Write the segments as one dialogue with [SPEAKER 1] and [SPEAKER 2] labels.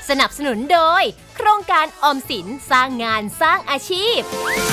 [SPEAKER 1] สนับสนุนโดยโครงการออมสินสร้างงานสร้างอาชีพ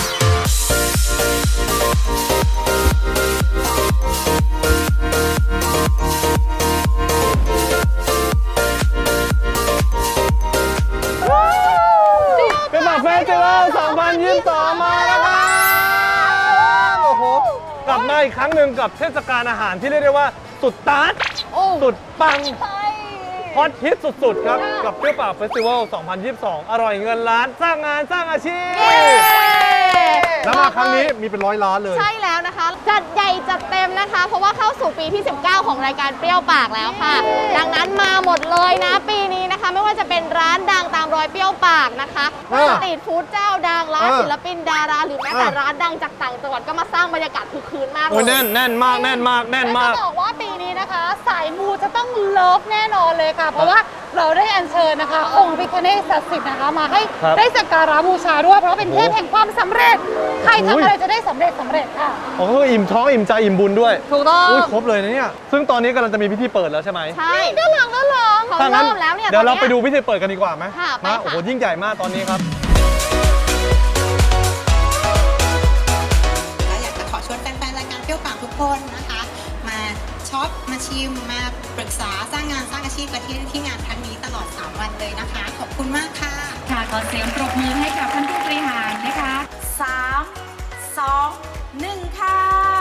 [SPEAKER 2] เป็นแบบเฟสติวัล2022มาแล้วครับโอ้โหกลับมาอีกครั้งหนึ่งกับเทศกาลอาหารที่เรียกได้ว่าสุดตัดสุดปังฮอตฮิตสุดๆครับกับเปรี้ยวปากเฟสติวัล2022อร่อยเงินล้านสร้างงานสร้างอาชีพแล้วมาครั้งนี้มีเป็น100 ล้านเลย
[SPEAKER 3] ใช่แล้วนะคะจัดใหญ่จัดเต็มนะคะเพราะว่าเข้าสู่ปีที่19ของรายการเปรี้ยวปากแล้วค่ะดังนั้นมาหมดเลยนะปีนี้นะคะไม่ว่าจะเป็นร้านดังตามรอยเปรี้ยวปากนะคะสตรีทฟู้ดเจ้าดังร้านศิลปินดาราหรือแม้แต่ร้านดังจากต่างจังหวัดก็มาสร้างบรรยากาศคึกคืนมากเลย
[SPEAKER 2] แน่นมากแน่นมากแน่นมาก
[SPEAKER 4] จะบอกว่าปีนี้นะคะสายมูจะต้องเลิฟแน่นอนเลยค่ะเพราะว่าเราได้อัญเชิญนะคะองค์พระพิฆเนศศักดิ์สิทธิ์นะคะมาให้ได้สักการะบูชาด้วยเพราะเป็นเทพแห่งความสำเร็จใครทำอะไรจะได้สำเร็จค่ะ
[SPEAKER 2] อ๋ออิ่มท้องอิ่มใจอิ่มบุญด้วย
[SPEAKER 3] ถูกต้อง
[SPEAKER 2] ครบเลยนะเนี่ยซึ่งตอนนี้กำลังจะมีพิธีเปิดแล้วใช่ไหม
[SPEAKER 3] ใช่ด้านหลังเขาเริ่มแล้วเนี่ย
[SPEAKER 2] เดี๋ยวเราไปดูพิธีเปิดกันดีกว่าไหม
[SPEAKER 3] มา
[SPEAKER 2] โอ้โหยิ่งใหญ่มากตอนนี้ครับ
[SPEAKER 5] อยากจะขอชวนแฟนๆรายการเปรี้ยวปากทุกคนนะคะมาช็อปมาชิมมาปรึกษาสร้างงานสร้างอาชีพกันที่งานครั้งนี้ตลอด3 วันเลยนะคะขอบคุณมากค่ะ
[SPEAKER 6] ค่ะขอเสียงปรบมือให้กับท่านผู้บริหารนะคะ3 2 1ค่ะ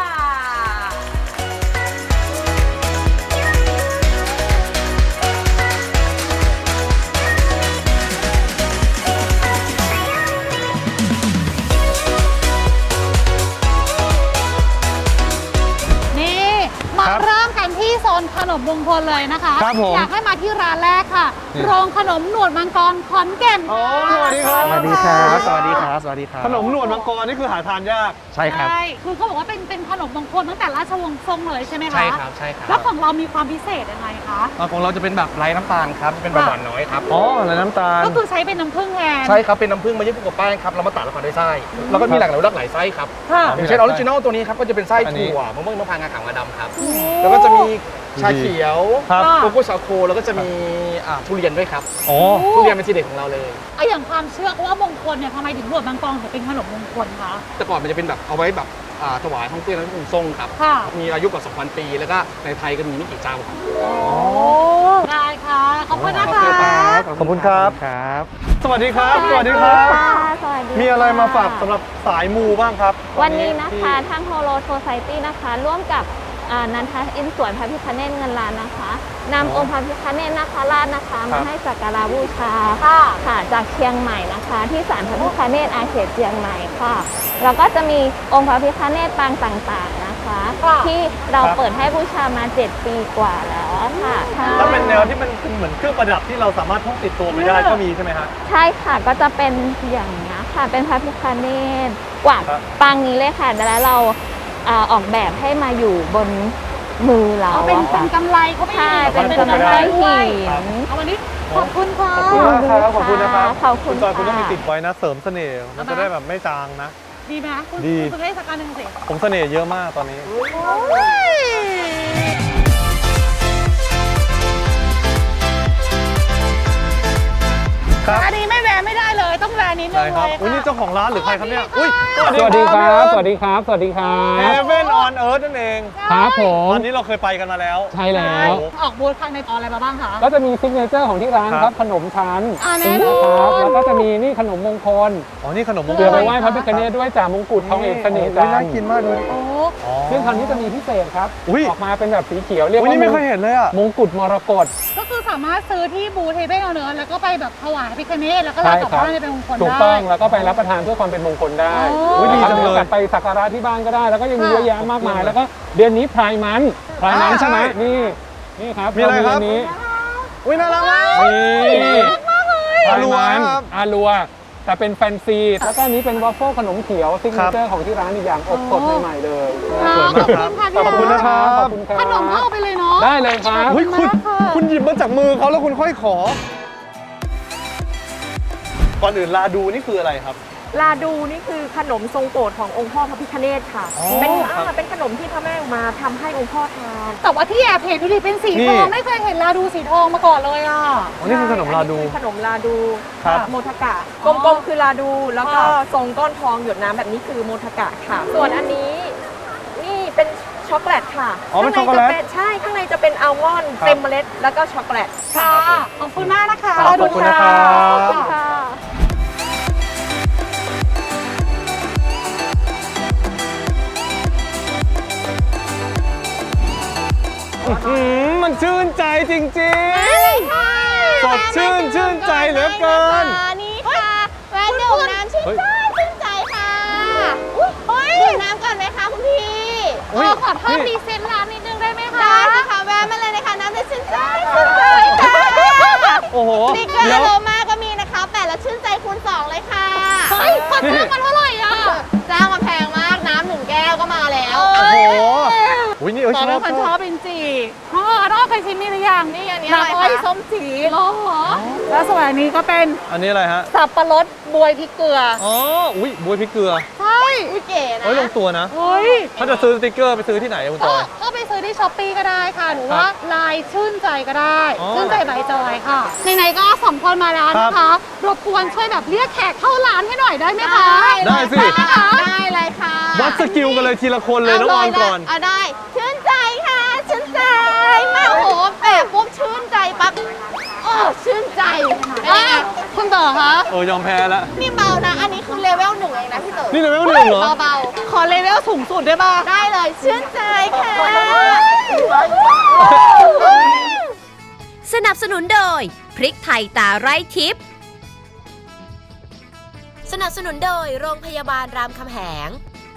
[SPEAKER 4] เริ่มกันที่โซนขนมมงคลเลยนะคะอยากให้มาที่ร้านแรกค่ะโรงขนมหนวดมังกรขอนแก่น
[SPEAKER 2] สวัสดีครับ
[SPEAKER 7] สวัสดีครับสวัสดีครับสวัสดีครับ
[SPEAKER 2] ขนมหนวดมังกรนี่คือหาทานยาก
[SPEAKER 7] ใช่ครับ
[SPEAKER 4] คือเขาบอกว่าเป็นขนมมงคลตั้งแต่ราชวงศ์ทรงเลยใช่ไหมคะ
[SPEAKER 7] ใช่ครับใช่ครับ
[SPEAKER 4] แล้วของเรามีความพิเศษยังไงคะ
[SPEAKER 7] ของเราจะเป็นแบบไร้น้ำตาลครับเป็นแบบหวานน้อยครับ
[SPEAKER 2] อ๋อไร้น้ำตาล
[SPEAKER 4] ก็คือใช้เป็นน้ำผึ้งแทน
[SPEAKER 7] ใช่ครับเป็นน้ำผึ้งมาญี่ปุ่นกับแป้งครับเรามาตัดแล้วก็ด้วยไส้แล้วก็มีหลากหลายไส้ครับอย่างเช่นออริจินอลตัวนี้ครับก็จะเป็นไส้ถั่วมะม่วงน้ำพร้าวงาขาวงาดำครับแล้วก็จะมีชาเขียวโกโก้ชาโคแล้วก็จะมีทุเรียนด้วยครับทุเรียนเป็นทีเด็ดของเราเลย
[SPEAKER 4] อย่างความเชื่อว่ามงคลเนี่ยทำไมถึงหนวดมังกรถึงเป็นขนมมงคลคะ
[SPEAKER 7] แต่ก่อนมันจะเป็นแบบเอาไว้แบบถวายท่องเที่ยวและองค์ทรงครับมีอายุกว่า 2,000 ปีแล้วก็ในไทยก็มีไม่กี่เจ้าครับ
[SPEAKER 4] ได้ค่ะขอบคุณนะคะ
[SPEAKER 2] ขอบคุณครับสวัสดีครับสวัสดีครับมีอะไรมาฝากสำหรับสายมูบ้างครับ
[SPEAKER 3] วันนี้นะคะทางโฮโลโซไซตี้นะคะร่วมกับนันทอินสวนพระพิฆเนศเงินล้านนะคะนำองค์พระพิฆเนศนาคราชนะคะมาให้สักการะบูชาค่ะจากเชียงใหม่นะคะที่ศาลพระพิฆเนศอาเขตเชียงใหม่ค่ะแล้วก็จะมีองค์พระพิฆเนศปางต่างๆนะคะที่เราเปิดให้บูชามา7 ปีกว่าแล้วค่ะ
[SPEAKER 2] ถ้าเป็นแนวที่มันเหมือนเครื่องประดับที่เราสามารถพกติดตัวไปได้ก็มีใช่ไหมครับ
[SPEAKER 3] ใช่ค่ะก็จะเป็นอย่างนี้ค่ะเป็นพระพิฆเนศกว่าปางนี้เลยค่ะแล้วเราออกแบบให้มาอยู่บนมือเรา
[SPEAKER 4] เป็นกำไรเขาไม่
[SPEAKER 3] ใช่เป็นกำไรหิน
[SPEAKER 4] วันนี้ขอบคุณค่ะ
[SPEAKER 2] ขอบคุณนะครับ
[SPEAKER 3] ขอบคุณ
[SPEAKER 2] จอยคุณต้องมีติดไว้นะเสริมเสน่ห์มันจะได้แบบไม่จางนะ
[SPEAKER 4] ดีไหมคุณจะได้สักการหนึ่งสิ
[SPEAKER 2] ผมเสน่ห์เยอะมากตอนนี้
[SPEAKER 4] อันนี้ไม่แวะไม่ได้เลยต้องแวะนิดนึงเลย
[SPEAKER 2] ค่ะนี่เจ้าของร้านหรือใครครับเนี่ย
[SPEAKER 8] สวัสดีครับสวัสดีครับสวัสดีครับ
[SPEAKER 2] Heaven on Earth นั่นเอง
[SPEAKER 8] ครับผม
[SPEAKER 2] ตอนนี้เราเคยไปกันมาแล้ว
[SPEAKER 8] ใช่แล้ว
[SPEAKER 4] ออกบูธครั้งในอะไรมาบ้างคะ
[SPEAKER 8] ก็จะมีซิกเนเจอร์ของที่ร้านครับขนมชั้น
[SPEAKER 4] นะครับ
[SPEAKER 8] แล้วก็จะมีนี่ขนมมงคล
[SPEAKER 2] นี่ขนมมงคล
[SPEAKER 8] เดี๋ยวไปไหว้พระพิฆเนศด้วยจ่ามงกุฎทองเอกเสน่ห์จันทร์
[SPEAKER 2] น่ากินมากเลย
[SPEAKER 8] ซึ่งครั้งนี้จะมีพิเศษครับออกมาเป็นแบบสีเขียวเรียกว่า
[SPEAKER 2] นี่ไม่เคยเห็นเลยอ่ะ
[SPEAKER 8] มงกุฎมรกต
[SPEAKER 4] ก็คือสามารถซื้อที่บูธเฮเว่นเนื้อแล้วก็ไปแบบถวายพระพิฆเนศแล้วก็รับกลับบ้านเป็นมงคลได้
[SPEAKER 8] ถูกต้องแล้วก็ไปรับประทานเพื่อความเป็นมงคลได้
[SPEAKER 2] ดีจังเลย
[SPEAKER 8] ไปสักการะที่บ้านก็ได้แล้วก็ยังมีเยอะแยะมากมายแล้วก็เดือนนี้พรายมันใช่ไหมนี่ครับ
[SPEAKER 2] มีอะไรครับ
[SPEAKER 8] นี้
[SPEAKER 2] น่ารักมาก
[SPEAKER 8] นี่อาลัวแต่เป็นแฟนซีแล้วก็นี้เป็นวอฟเฟิลขนมเขียวซิกเนเจอร์ของที่ร้านอีกอย่างอบสดใหม่ๆเลย
[SPEAKER 2] ขอบคุณนะครับ
[SPEAKER 4] ขนมเข้าไปเลยเนาะ
[SPEAKER 8] ได้เลยครับ
[SPEAKER 2] คุณหยิบมาจากมือเขาแล้วคุณค่อยขอก่อนอื่นลาดูนี่คืออะไรครับ
[SPEAKER 9] ลาดูนี่คือขนมทรงโปรดขององค์พ่อพระพิฆเนศค่ะ
[SPEAKER 2] อ๋อ
[SPEAKER 9] เป็นขนมที่พระแม่อุมาทำให้องค์พ่อทาน
[SPEAKER 4] แต่ว่าที่แอบเห็นดูดิเป็นสี
[SPEAKER 2] นี่
[SPEAKER 4] ทองไม่เคยเห็นลาดูสีทองมาก่อนเลยอ่ะ
[SPEAKER 2] อ๋อนี่คือขนมลาดู
[SPEAKER 9] อันนี้คือขนมลาดู
[SPEAKER 2] ครับ
[SPEAKER 9] โมทกะกลมๆคือลาดู แล้วก็ทรงก้อนทองหยดน้ำแบบนี้คือโมทกะค่ะ ส่วนอันนี้นี่เป็นช็อกโกแลตค่ะ
[SPEAKER 2] อ๋อเป็นช็อกโกแลต
[SPEAKER 9] ใช่ข้างในจะเป็นอัลมอนด์
[SPEAKER 2] ครับ
[SPEAKER 9] เต็มเมล็ดแล้วก็ช็อกโกแลต
[SPEAKER 4] ค่ะขอบคุณมากนะคะ
[SPEAKER 2] ขอบคุณนะครับ
[SPEAKER 9] ขอบคุณค่ะ
[SPEAKER 2] มันชื่นใจจริงๆ สดชื่นใจเหลือเกิน
[SPEAKER 3] นี่ค่ะแวะดื่มน้ำชื่นใจชื่นใจค่ะดื่มน้ำก่อนไหมคะคุณพี่
[SPEAKER 4] ขอเพิ่มดีเซนร้านนิดนึงได้ไหมคะ
[SPEAKER 3] ได้สิค่ะแวะมาเลยนะคะน้ำจะชื่นใจชื่นใจค่ะ
[SPEAKER 2] โอ้โห
[SPEAKER 3] สติ๊กเกอร์
[SPEAKER 2] เดี๋ยว
[SPEAKER 3] โลมาก็มีนะคะแปะแล้วชื่นใจคูณ2เลยค่ะ
[SPEAKER 4] เฮ้ยขอเพิ่มมันเท่าไหร่อ่ะ
[SPEAKER 3] จ้างมาแพงมากน้ำ1 แก้วก็มาแล้ว
[SPEAKER 2] โอ้โหอุ้ยนี่ช
[SPEAKER 4] ตอน
[SPEAKER 2] อ
[SPEAKER 4] นั้
[SPEAKER 2] บ
[SPEAKER 4] นคนชอบจริงๆพ่อรอบเคยชิมนี่หรือยัง
[SPEAKER 3] นี่อันนี้
[SPEAKER 4] น้ำ
[SPEAKER 3] อะไร
[SPEAKER 4] อ้อย
[SPEAKER 3] คะ
[SPEAKER 4] ส้มจีดหรอแล้วส่วนอันนี้ก็เป็น
[SPEAKER 2] อันนี้อะไรฮะ
[SPEAKER 4] สับปะรดบวยพริกเกลือ
[SPEAKER 2] อ๋อ อุ้ยบวยพริกเกลือ
[SPEAKER 4] ใช่
[SPEAKER 3] อุ้ยเก๋นะ
[SPEAKER 2] เฮ้ยลงตัวนะ
[SPEAKER 4] เฮ้ย
[SPEAKER 2] ถ้าจะซื้อสติกเกอร์ไปซื้อที่ไหนอะคุณจอย
[SPEAKER 4] ก็ไปซื้อที่ช้อปปี้ก็ได้ค่ะ หรือว่าลายชื่นใจก็ได้
[SPEAKER 2] อ๋อ
[SPEAKER 4] ชื่นใจใบจอยค่ะไหนๆก็สองคนมาแล้วนะคะ รบกวนช่วยแบบเรียกแขกเข้าร้านให้หน่อยได้ไหมคะ
[SPEAKER 2] ได้สิ
[SPEAKER 4] ได้ไหมคะ
[SPEAKER 3] ได้เลยค่ะ
[SPEAKER 2] วัดสกิลกันเลยทีละคนเลยน้องออนก่อน
[SPEAKER 3] เอาได้ชื่นใจค่ะชื่นใจมาโอ้โหแปะปุ๊บชื่นใจปั๊บโอ้ชื่นใจเป็นไง
[SPEAKER 4] คุณเต๋อคะ
[SPEAKER 2] ยอมแพ้แล้ว
[SPEAKER 3] นี่เบานะ อันนี้คือเลเวล1เองนะพี่เต๋อ
[SPEAKER 2] นี่เลเวล1เหรอ
[SPEAKER 3] เบา
[SPEAKER 4] ขอเลเวลสูงสุดได้ป่ะ
[SPEAKER 3] ๆได้เลยชื่นใจค่ะ
[SPEAKER 1] สนับสนุนโดย พริกไทยตาไร้ทิพย์สนับสนุนโดยโรงพยาบาลรามคำแหง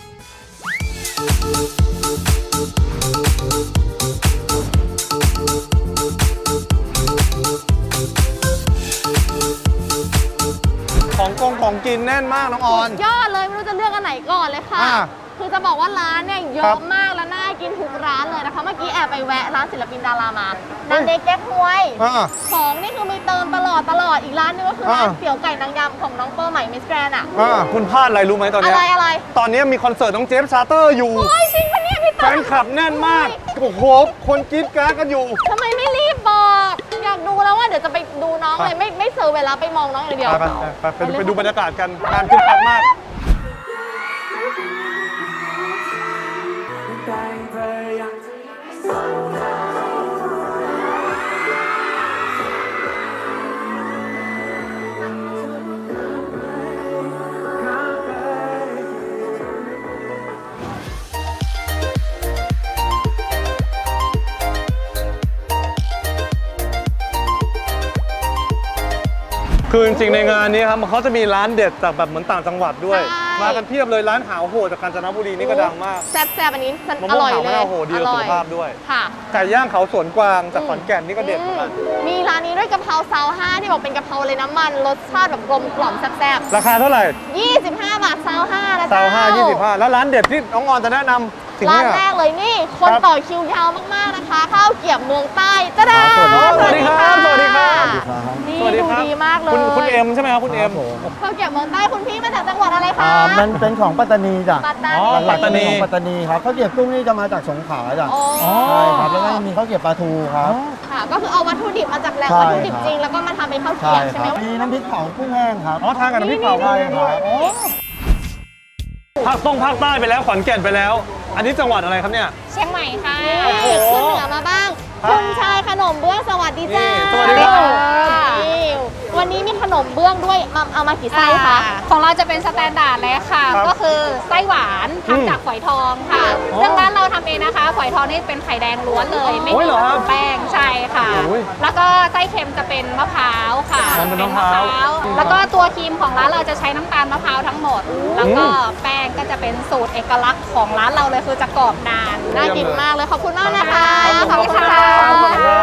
[SPEAKER 2] ของกินแน่นมากน้องออน
[SPEAKER 3] ยอดเลยไม่รู้จะเลือกอันไหนก่อนเลยค่ะ
[SPEAKER 2] อ่า
[SPEAKER 3] คือจะบอกว่าร้านเนี่ยเย
[SPEAKER 2] ครั
[SPEAKER 3] อะ
[SPEAKER 2] บ
[SPEAKER 3] มากและน่ากินทุกร้านเลยนะคะ เมื่อกี้แอบไปแวะร้านศิลปินดารามานันเด็กแก๊กฮวย ของนี่คือมีเติมตลอดอีกร้านนึงก็คือร้านเตี๋ยวไก่นางยำของน้องเปอร์ใหม่มิสแกรนอ่ะ
[SPEAKER 2] คุณพลาดอะไรรู้ไหมตอน
[SPEAKER 3] อะ
[SPEAKER 2] เนี้ย
[SPEAKER 3] ไรอะไร
[SPEAKER 2] ตอนนี้มีคอนเสิร์ตน้องเจฟชาร์เตอร์อยู่
[SPEAKER 3] โอ้ยจริงปะเนี่ยพี่
[SPEAKER 2] แฟ
[SPEAKER 3] เต๋อน
[SPEAKER 2] คลับแน่นมาก โอ้โห คนกรี๊ดกราดกันอยู่
[SPEAKER 3] ทำไมไม่รีบบอก อยากดูแล้วว่าเดี๋ยวจะไปดูน้องเลยไม่เซอร์เวลาไปมองน้องอย่างเดียว
[SPEAKER 2] ไปดูบรรยากาศกันงานคึกคักมาก คือจริงๆในงานนี้ครับเขาจะมีร้านเด็ดจากแบบเหมือนต่างจังหวัดด้วย
[SPEAKER 3] ใช่
[SPEAKER 2] มากันเพียบเลยร้านหาวโหดจากกาญจนบุรีนี่ก็ดังมาก
[SPEAKER 3] แซ่บๆอันนี้
[SPEAKER 2] มะ
[SPEAKER 3] อ
[SPEAKER 2] ม่วง
[SPEAKER 3] ร่อย
[SPEAKER 2] หาว
[SPEAKER 3] เล
[SPEAKER 2] มะ
[SPEAKER 3] ย
[SPEAKER 2] นาวโหดีต่อสุขภาพด้วย
[SPEAKER 3] ค่ะ
[SPEAKER 2] ไก่ย่างเขาสวนกวางจากขอนแก่นนี่ก็เด็ดเหมือนกัน
[SPEAKER 3] มีร้านนี้ด้วยกะเพราซาวห้าที่บอกเป็นกะเพราเลยน้ำมันรสชาติแบบกลมกล่อมแซ่บ
[SPEAKER 2] ราคาเท่าไหร่
[SPEAKER 3] ๆ25 บาทซาวห้านะ
[SPEAKER 2] ซา
[SPEAKER 3] เจ้าว
[SPEAKER 2] 25 แล้วร้านเด็ดที่น้องออนจะแนะนำถึง
[SPEAKER 3] ร้าน
[SPEAKER 2] เนี่ย
[SPEAKER 3] แรกเลยนี่ คน
[SPEAKER 2] ครับ
[SPEAKER 3] ต่อคิวยาวมากๆนะคะ ข้าวเกรี๊ยวเมืองใต้จ้าดา
[SPEAKER 2] สวัสดีครับสวัสดีครับ
[SPEAKER 3] นี่
[SPEAKER 2] สวัสดี
[SPEAKER 3] ดู
[SPEAKER 2] ครับ
[SPEAKER 3] ดีมากเลย
[SPEAKER 2] คุณเอ็มใช่ไหมครับคุณเอ็ม
[SPEAKER 3] ข้าวเกรี๊ยวเมืองใต้คุณพี่มาจากจังหวัดอะไรคะ
[SPEAKER 10] มันเป็นของปัตตานีจ้ะ
[SPEAKER 3] ปัตตา
[SPEAKER 2] อ๋
[SPEAKER 3] นี
[SPEAKER 2] อ ปัตตานี
[SPEAKER 10] ของปัตตานีครับข้าวเกรี๊ยวกุ้งนี่จะมาจากสงขลาจ้ะ
[SPEAKER 3] อ๋อ
[SPEAKER 10] ใช่ครับแล้วก็มีข้าวเกรี๊ยวปลาทูครับ
[SPEAKER 3] ค่ะ ก็คือเอาวัตถุดิบมาจากแหล่ง
[SPEAKER 10] ใช่
[SPEAKER 3] วัตถุดิบ
[SPEAKER 10] ครับ
[SPEAKER 3] จริง แล้วก็มาทำเป็นข้าวเกรี๊
[SPEAKER 10] ใช่
[SPEAKER 3] ยว
[SPEAKER 10] ค
[SPEAKER 3] ใช่ไหม
[SPEAKER 10] รับมีน้ำพริกเผากุ้งแห้งครับ
[SPEAKER 2] อ๋อทานกับน้ำพริกเผา
[SPEAKER 10] ใช่ครับ
[SPEAKER 2] ภาคใต้ไปแล้วขอนแก่นไปแล้ว อันนี้จังหวัดอะไรครับเนี่ย
[SPEAKER 3] เชียงใหม่ค่ะ
[SPEAKER 2] โอ้โห
[SPEAKER 3] ขึ้นเหนือมาบ้าง
[SPEAKER 2] ครับ
[SPEAKER 3] คุณชายขนมเบื้องสวัสดีจ้า
[SPEAKER 2] นี่สวัสดีครับ
[SPEAKER 3] นี่วันนี้มีขนมเบื้องด้วยเอามากี่ไส้คะ
[SPEAKER 4] ของเราจะเป็นสแตนดาร์ดเลยค่ะ
[SPEAKER 2] ครับ
[SPEAKER 4] ก็คือไส้หวาน
[SPEAKER 2] อืม
[SPEAKER 4] ทำจากฝอยทองค่ะ
[SPEAKER 2] อ๋อ
[SPEAKER 4] ซึ่งร้านเราทำเองนะคะ ฝอยทองนี่เป็นไข่แดงล้วนเลย ไม่
[SPEAKER 2] โอ้ย
[SPEAKER 4] มี
[SPEAKER 2] เหรอครับ
[SPEAKER 4] แป้งใช่ค่ะ
[SPEAKER 2] โอ้ย
[SPEAKER 4] แล้วก็ไส้เค็มจะเป็นมะพร้าวค่ะ
[SPEAKER 2] อ๋อเป็นมะพร้าว
[SPEAKER 4] แล้วก็ตัวครีมของร้านเราจะใช้น้ำตาลมะพร้าวทั้งหมด แล้วก็แป้งก็จะเป็นสูตรเอกลักษณ์ของร้านเราเลยคือจะกรอบนาน
[SPEAKER 3] น่ากินมากเลยขอบคุณมากนะคะ
[SPEAKER 2] ขอบคุณครับขอบคุณครับ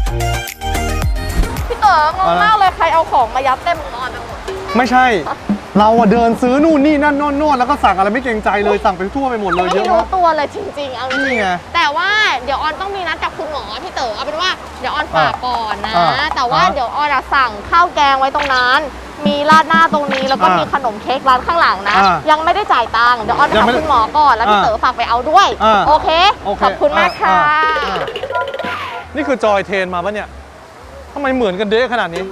[SPEAKER 3] พี่เต๋องงมากเลยใครเอาของมายัดเต็มอุปกรณ์ไปหมด
[SPEAKER 2] ไม่ใช่เราอะเดินซื้อนู่นนี่นั่นโน่นแล้วก็สั่งอะไรไม่เกรงใจเลยสั่งไปทั่วไปหมดเลยเย
[SPEAKER 3] ไม่
[SPEAKER 2] อะ
[SPEAKER 3] รู้
[SPEAKER 2] มาก
[SPEAKER 3] ตัวเลยจริงๆเอาจริ
[SPEAKER 2] นี่
[SPEAKER 3] ง
[SPEAKER 2] ไง
[SPEAKER 3] แต่ว่าเดี๋ยวออนต้องมีนัดกับคุณหมอพี่เต๋อเอาเป็นว่าเดี๋ยวออนฝากก่อนนะ
[SPEAKER 2] อ่า
[SPEAKER 3] แต่ว่า
[SPEAKER 2] อ่า
[SPEAKER 3] เดี๋ยวออนอะสั่งข้าวแกงไว้ตรงนั้น มีราดหน้าตรงนี้แล้วก็
[SPEAKER 2] อ่ามี
[SPEAKER 3] มีขนมเค้กร้านข้างหลังนะ
[SPEAKER 2] อ่า
[SPEAKER 3] ยังไม่ได้จ่ายตังค์เดี๋ยวออนไป
[SPEAKER 2] ยัง
[SPEAKER 3] หา
[SPEAKER 2] ไม่ได้
[SPEAKER 3] คุณหมอก่อนแล้วพี่
[SPEAKER 2] อ่า
[SPEAKER 3] เต๋อฝากไปเอาด้วย
[SPEAKER 2] อ่า
[SPEAKER 3] โอเค
[SPEAKER 2] โอเค
[SPEAKER 3] ขอบคุณมากค่ะ
[SPEAKER 2] อ่า นี่คือจอยเทรนมาปะเนี่ยทำไมเหมือนกันเด้ขนาดนี้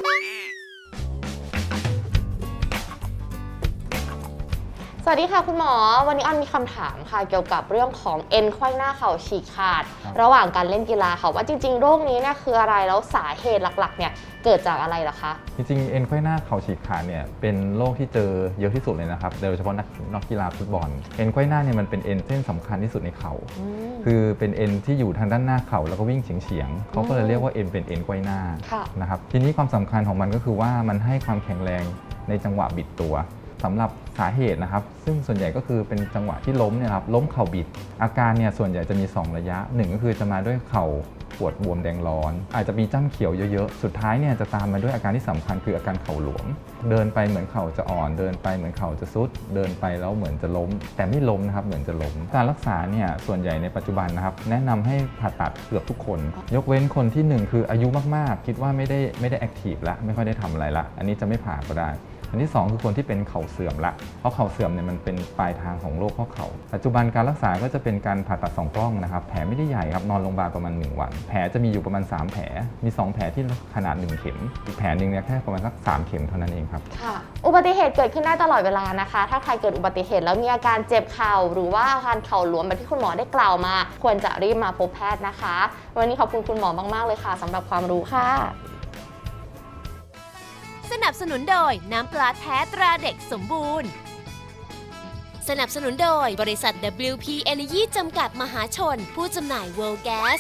[SPEAKER 3] สวัสดีค่ะคุณหมอวันนี้ออนมีคำถามค่ะเกี่ยวกับเรื่องของเอ็นไขว้หน้าเข่าฉีกขาด ระหว่างการเล่นกีฬาค่ะว่าจริงๆโรคนี้เนี่ยคืออะไรแล้วสาเหตุหลักๆเนี่ยเกิดจากอะไรล่ะคะ
[SPEAKER 11] จริงๆเอ็นไขว้หน้าเข่าฉีกขาดเนี่ยเป็นโรคที่เจอเยอะที่สุดเลยนะครับโดยเฉพาะนักกีฬาฟุตบอลเอ็นไขว้หน้าเนี่ยมันเป็นเอ็นเส้นสำคัญที่สุดในเข่าคือเป็นเอ็นที่อยู่ทางด้านหน้าเข่าแล้วก็วิ่งเฉียงๆเขาก็เลยเรียกว่าเอ็นเป็นเอ็นไขว้หน้านะครับทีนี้ความสำคัญของมันก็คือว่ามันให้ความแข็งแรงในจังหวะบิดตัวสำหรับสาเหตุนะครับซึ่งส่วนใหญ่ก็คือเป็นจังหวะที่ล้มเนี่ยครับล้มเข่าบิดอาการเนี่ยส่วนใหญ่จะมี2ระยะ1ก็คือจะมาด้วยเข่าปวดบวมแดงร้อนอาจจะมีจ้ำเขียวเยอะๆสุดท้ายเนี่ยจะตามมาด้วยอาการที่สำคัญคืออาการเข่าหลวมเดินไปเหมือนเข่าจะอ่อนเดินไปเหมือนเข่าจะซุดเดินไปแล้วเหมือนจะล้มแต่ไม่ล้มนะครับเหมือนจะล้มการรักษาเนี่ยส่วนใหญ่ในปัจจุบันนะครับแนะนำให้ผ่าตัดเกือบทุกคนยกเว้นคนที่1คืออายุมากๆคิดว่าไม่ได้แอคทีฟละไม่ค่อยได้ทำอะไรละอันนี้จะไม่ผ่าก็ได้อันที่2คือคนที่เป็นเข่าเสื่อมละเพราะเข่าเสื่อมเนี่ยมันเป็นปลายทางของโรคข้อเข่าปัจจุบันการรักษาก็จะเป็นการผ่าตัด2กล้องนะครับแผลไม่ได้ใหญ่ครับนอนโรงพยาบาลประมาณ1วันแผลจะมีอยู่ประมาณ3แผลมี2แผลที่ขนาด1เข็มอีกแผลนึงเนี่ยแค่ประมาณสัก3เข็มเท่านั้นเองครับ
[SPEAKER 3] ค่ะอุบัติเหตุเกิดขึ้นได้ตลอดเวลานะคะถ้าใครเกิดอุบัติเหตุแล้วมีอาการเจ็บเข่าหรือว่าอาการเข่าหลวมแบบที่คุณหมอได้กล่าวมาควรจะรีบมาพบแพทย์นะคะวันนี้ขอบคุณคุณหมอมากๆเลยค่ะสำหรับความรู้ค่ะ
[SPEAKER 1] สนับสนุนโดยน้ำปลาแท้ตราเด็กสมบูรณ์สนับสนุนโดยบริษัท WP Energy จำกัดมหาชนผู้จำหน่าย World Gas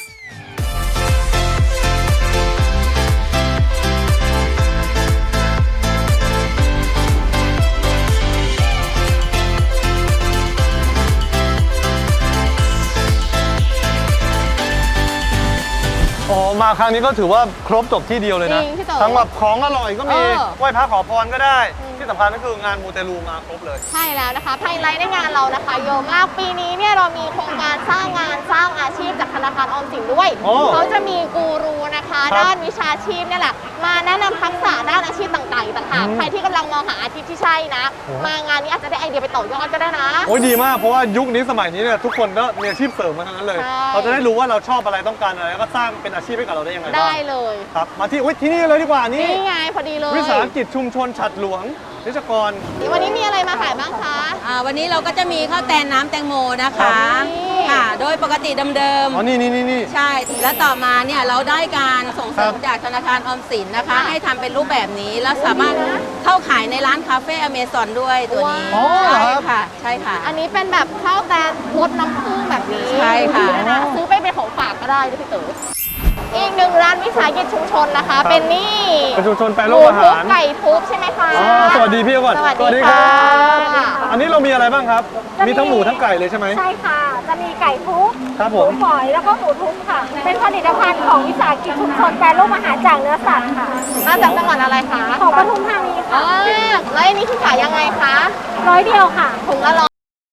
[SPEAKER 2] อ๋อมาครั้งนี้ก็ถือว่าครบจบที่เดียวเลยนะ
[SPEAKER 3] จริงพี่เต๋อ
[SPEAKER 2] ทั้งแบบของอร่อยก็มี
[SPEAKER 3] เออ
[SPEAKER 2] ไหว้พระขอพรก็ได้ ที่สำคัญก็คืองานมูเตลูมาครบเลย
[SPEAKER 3] ใช่แล้วนะคะไฮไลท์ในงานเรานะคะเยอะมากปีนี้เนี่ยเรามีโครงการสร้างงานสร้างอาชีพจากธนาคารออมสินด้วย
[SPEAKER 2] โอ้
[SPEAKER 3] เขาจะมีกูรูนะคะ
[SPEAKER 2] ครับ
[SPEAKER 3] ด้านวิชาชีพเนี่ยแหละมาแนะนำทักษะด้านอาชีพต่างๆอีกต่างหากใครที่กำลังมองหาอาชีพที่ใช่นะ มางานนี้อาจจะได้ไอเดียไปต่อยอดก็ได้นะ
[SPEAKER 2] โอ้ยดีมากเพราะว่ายุคนี้สมัยนี้เนี่ยทุกคนก็มีอาชีพเสริมมาทั้งนั้นเลย
[SPEAKER 3] ใช่
[SPEAKER 2] เราจะได้รู้ว่าเราชอบอะไรต้องการอะไรแล้วก็สร้างเป็นอาชีพให้กับเราได้ยังไงบ้าง
[SPEAKER 3] ได้เลย
[SPEAKER 2] ครับมาที่ที่นี่เลยดีกว่านี่
[SPEAKER 3] นี่ไงพอดีเลย
[SPEAKER 2] วิสาหกิจชุมชนฉัตรหลวงนิจกร
[SPEAKER 3] วันนี้มีอะไรมาขายบ้างคะ
[SPEAKER 12] วันนี้เราก็จะมีข้าวแตนน้ำแตงโมนะคะ
[SPEAKER 3] นี่
[SPEAKER 12] ค่ะ โดยปกติเดิม
[SPEAKER 2] อ๋อนี่
[SPEAKER 12] ๆใช่ แล้วต่อมาเนี่ยเราได้การส่งเสริม
[SPEAKER 2] ครับ
[SPEAKER 12] จากธนาคารออมสินนะคะ
[SPEAKER 3] ค่ะ
[SPEAKER 12] ให้ทำเป็นรูปแบบนี้ แล้วสามารถเข้าขายในร้านคาเฟ่อเมซอนด้วยตัวนี้
[SPEAKER 2] อ๋อเหรอ
[SPEAKER 12] ใช่
[SPEAKER 2] ครับ
[SPEAKER 12] ค่ะ ใช่ค่ะ
[SPEAKER 3] อันนี้เป็นแบบข้าวแตนรสน้ำผึ้งแบบนี้
[SPEAKER 12] ใช่ค่ะ
[SPEAKER 3] นะซื้อไปเป็นของฝากก็ได้ด้วยพี่เต๋ออีกหนึ่งร้านวิสาหกิจชุมชนนะคะ เป็นนี่
[SPEAKER 2] เป็นชุมชนแปร
[SPEAKER 3] ห
[SPEAKER 2] รู
[SPEAKER 3] มู
[SPEAKER 2] ปอา
[SPEAKER 3] ทุ
[SPEAKER 2] หา
[SPEAKER 3] บ
[SPEAKER 2] ร
[SPEAKER 3] ไก่ทุบใช่ไหมคะ
[SPEAKER 2] อ๋อสวัสดีพี่ก่อน
[SPEAKER 3] สวัสดีค่ะ
[SPEAKER 2] อันนี้เรามีอะไรบ้างครับ มีทั้งหมูทั้งไก่เลยใช่ไหม
[SPEAKER 13] ใช่ค่ะ จะมีไก่ทุบ
[SPEAKER 2] ครับ
[SPEAKER 13] ห
[SPEAKER 2] ผ
[SPEAKER 13] มู
[SPEAKER 2] ม
[SPEAKER 13] ฝอยแล้วก็หมูทุบค่ะ เป็นผลิตภัณฑ์ของวิสาหกิจชุมชนแปรรูปอาหารจากเนื้อสัตว์ค่ะ
[SPEAKER 3] มาจากจังหวัดอะไรคะ
[SPEAKER 13] ของปทุมธานี
[SPEAKER 3] อ๋
[SPEAKER 13] ค่ะ
[SPEAKER 3] อแล้วอันนี้คือขายยังไงคะ
[SPEAKER 13] 100 เดียวค่ะ
[SPEAKER 3] ถุงละ100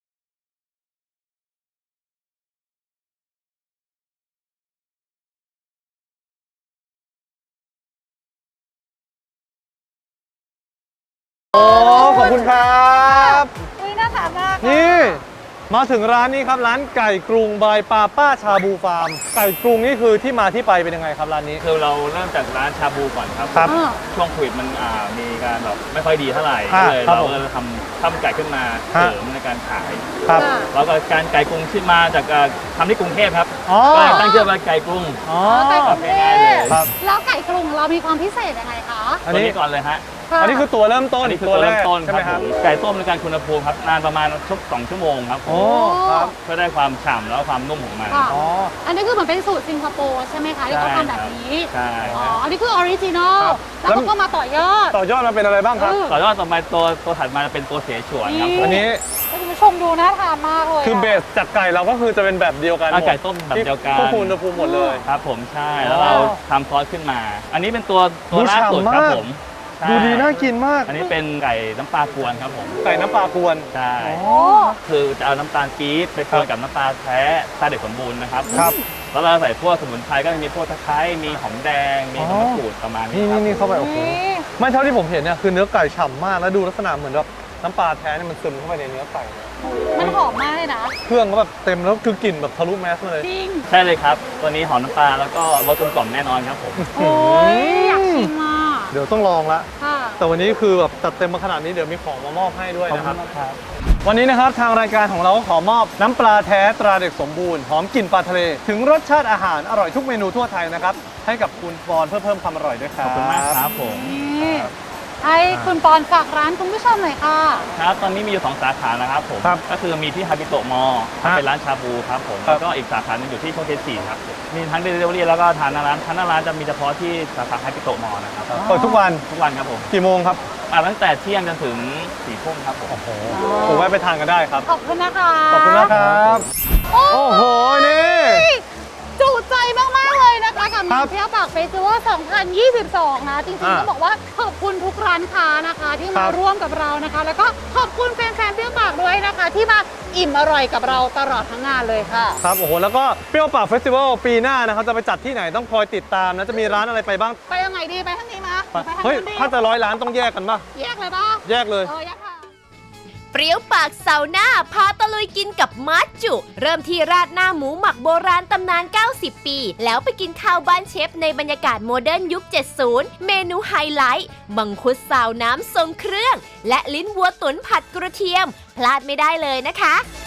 [SPEAKER 2] โอ้ขอบคุณครับ
[SPEAKER 13] อุ้ยน่าทานมาก
[SPEAKER 2] นี่มาถึงร้านนี้ครับร้านไก่กรุงบายปาป้าชาบูฟาร์มไก่กรุงนี่คือที่มาที่ไปเป็นยังไงครับร้านนี้
[SPEAKER 14] คือเราเริ่มจากร้านชาบูก่อนครับ
[SPEAKER 2] ครับ
[SPEAKER 14] ช่วงโควิดมันมีการแบบไม่ค่อยดีเท่าไหร่
[SPEAKER 2] อ่า
[SPEAKER 14] ก็เลย
[SPEAKER 2] ครับ
[SPEAKER 14] เรา
[SPEAKER 2] ผม
[SPEAKER 14] ก็เลยทำข้าวมันไก่ขึ้นมา
[SPEAKER 2] ฮะ
[SPEAKER 14] เสริมในการขาย
[SPEAKER 2] ครับ
[SPEAKER 14] แล้วก็การไก่กรุงที่มาจากทำที่กรุงเทพครับ
[SPEAKER 2] อ๋อ
[SPEAKER 14] ก็เลยตั้งชื่อว่าไก่กรุง
[SPEAKER 2] อ๋อ
[SPEAKER 4] ไก่กรุงเท
[SPEAKER 14] ง่ายๆเลย
[SPEAKER 4] พ
[SPEAKER 2] ครับ
[SPEAKER 4] แล้วไก่กรุงเรามีความพิเศษยังไงคะ
[SPEAKER 2] อัน
[SPEAKER 14] ตัว
[SPEAKER 2] นี้
[SPEAKER 14] นี้ก่อนเลยฮะ
[SPEAKER 2] อันนี้คือตัวเริ่มต้น
[SPEAKER 14] อันนี้คือตัวเริ่มต้น
[SPEAKER 2] ใช่
[SPEAKER 14] ค
[SPEAKER 2] ไหม
[SPEAKER 14] รับ
[SPEAKER 2] ค
[SPEAKER 14] ผ
[SPEAKER 2] รับ
[SPEAKER 14] มไก่ต้มในการคุณภูมิครับนานประมาณ2 ชั่วโมงครับผม
[SPEAKER 2] โอ้ครับ
[SPEAKER 14] เพื่อได้ความฉ่ำแล้วก็ความนุ่มของมัน
[SPEAKER 4] ค่ะ
[SPEAKER 2] อ๋อ
[SPEAKER 4] อันนี้คือเหมือนเป็นสูตรสิงคโปร์ใช่ไหมคะที่เขาทำแบบนี้
[SPEAKER 14] ใช่
[SPEAKER 4] อ๋
[SPEAKER 14] ค
[SPEAKER 4] อ
[SPEAKER 14] รับ
[SPEAKER 4] อันนี้คือออริจินอล
[SPEAKER 2] ครับ
[SPEAKER 4] แล้วเขาก็มาต่อยอด
[SPEAKER 2] ต่อยอดมาเป็นอะไรบ้างครับ
[SPEAKER 14] ต่อยอดต่อมาตัวถัดมาจะเป็นตัวเสฉวนครับผม
[SPEAKER 2] อันนี้
[SPEAKER 4] ให้คุณผู้ชมดูน่าทานมากเลย
[SPEAKER 2] คือเบสจากไก่เราก็คือจะเป็นแบบเดียวกันหมด
[SPEAKER 14] ไก่ต้มแบบเดียวกัน
[SPEAKER 2] ควบคุมอุณหภูมิหมดเลย
[SPEAKER 14] ครับผมใช่แล้วเราทำซอสขึ้นมา อันนี้เป็นตัวล่าสุด
[SPEAKER 2] ดูฉ่ำ
[SPEAKER 14] ครับ
[SPEAKER 2] มาก
[SPEAKER 14] ผม
[SPEAKER 2] ดูดีน่ากินมาก
[SPEAKER 14] อันนี้เป็นไก่น้ำปลากวนครับผม
[SPEAKER 2] ไก่น้ำปลากวน
[SPEAKER 14] ใช่คือจะเอาน้ำตาลปี๊บไปกวนกับน้ำปลาแท้ตราเด็กสมบูรณ์นะครับ
[SPEAKER 2] ครับ
[SPEAKER 14] แล้วเราใส่พวกสมุนไพรก็จะมีพวกตะไคร้มีหอมแดงมีใบมะกรูดประมาณนี้ครับ
[SPEAKER 2] นี่เข้าไปโอ้โหไม่เท่าที่ผมเห็นเนี่ยคือเนื้อไก่ฉ่ำมากแล้วดูลักษณะเหมือนแบบน้ำปลาแท้เนี่ยมันซึมเข้าไปในเนื้อไก่เลย
[SPEAKER 4] มันหอมมากเลยนะ
[SPEAKER 2] เครื่องก็แบบเต็มแล้วคือกลิ่นแบบทะลุแมสมาเลย
[SPEAKER 4] จริง
[SPEAKER 14] ใช่เลยครับ ตัวนี้หอมน้ำปลาแล้วก็รสกลมกล่อมแน่นอนครับผม
[SPEAKER 4] โอ้ยอยากชิมอ่ะ
[SPEAKER 2] เดี๋ยวต้องลองละ
[SPEAKER 4] ค่ะ
[SPEAKER 2] แต่วันนี้คือแบบจัดเต็มมาขนาดนี้เดี๋ยวมีของมามอบให้ด้วยนะครับ
[SPEAKER 14] ขอบคุณครับ
[SPEAKER 2] วันนี้นะครับทางรายการของเราก็ขอมอบน้ำปลาแท้ตราเด็กสมบูรณ์หอมกลิ่นปลาทะเล ถึงรสชาติอาหารอร่อยทุกเมนูทั่วไทยนะครับให้กับคุณปอนเพื่อเพิ่มความอร่อยด้วยครับ
[SPEAKER 14] ขอบคุณมากครับผม
[SPEAKER 4] นี่ให้คุณปอนฝากร้านคุณผู้ชมหน่อยค่ะ
[SPEAKER 14] ครับตอนนี้มีอยู่ 2 สาขานะครับผม ก็คือมีที่ฮาบิโตะมอเป็นร้านชาบูครับผม แล้วก็อีกสาขาหนึงอยู่ที่โชคชัย4ครับผมมีทั้งเดลิเวอรี่แล้วก็ทานหน้าร้านจะมีเฉพาะที่สาขาฮาบิโตะมอนะครับ
[SPEAKER 2] เปิดทุกวัน
[SPEAKER 14] ทุกวันครับผม
[SPEAKER 2] กี่โมงครับ
[SPEAKER 14] ตั้งแต่เที่ยงจนถึง4 ทุ่มครับผม
[SPEAKER 2] ผมแวะไปทานกันได้ครับ
[SPEAKER 4] ขอบคุณนะคะ
[SPEAKER 2] ขอบคุณนะครับ โอ้โห นี่
[SPEAKER 4] จุใจมากๆเลยนะคะกับงานเที่ยวปากเฟสติวัล 2022 นะจริงๆต้องบอกว่าขอบคุณทุกร้านค้านะคะที่มาร่วมกับเรานะคะ แล้วก็ขอบคุณแฟนๆเที่ยวปากด้วยนะคะ ที่มาอิ่มอร่อยกับเราตลอดทั้งงานเลยค่ะ
[SPEAKER 2] ครับ โอ้โห แล้วก็เปรี้ยวปากเฟสติวัลปีหน้านะครับจะไปจัดที่ไหนต้องคอยติดตามนะ จะมีร้านอะไรไปบ้าง
[SPEAKER 4] ไปยังไงดีไปทางนี้มาไปทาง
[SPEAKER 2] เฮ้ย
[SPEAKER 4] นู้นดี
[SPEAKER 2] ถ้าจะ100 ร้านต้องแยกกันป่ะ
[SPEAKER 4] แยกเลยป่ะ
[SPEAKER 2] แยกเลย
[SPEAKER 4] แยกค่ะ
[SPEAKER 1] เปรี้ยวปากเสาร์หน้าพาตะลุยกินกับมัดจุ เริ่มที่ราดหน้าหมูหมักโบราณตำนาน 90 ปี แล้วไปกินข้าวบ้านเชฟในบรรยากาศโมเดิร์นยุค 70 เมนูไฮไลท์มังคุดซาวน้ำทรงเครื่อง และลิ้นวัวตุ๋นผัดกระเทียม พลาดไม่ได้เลยนะคะ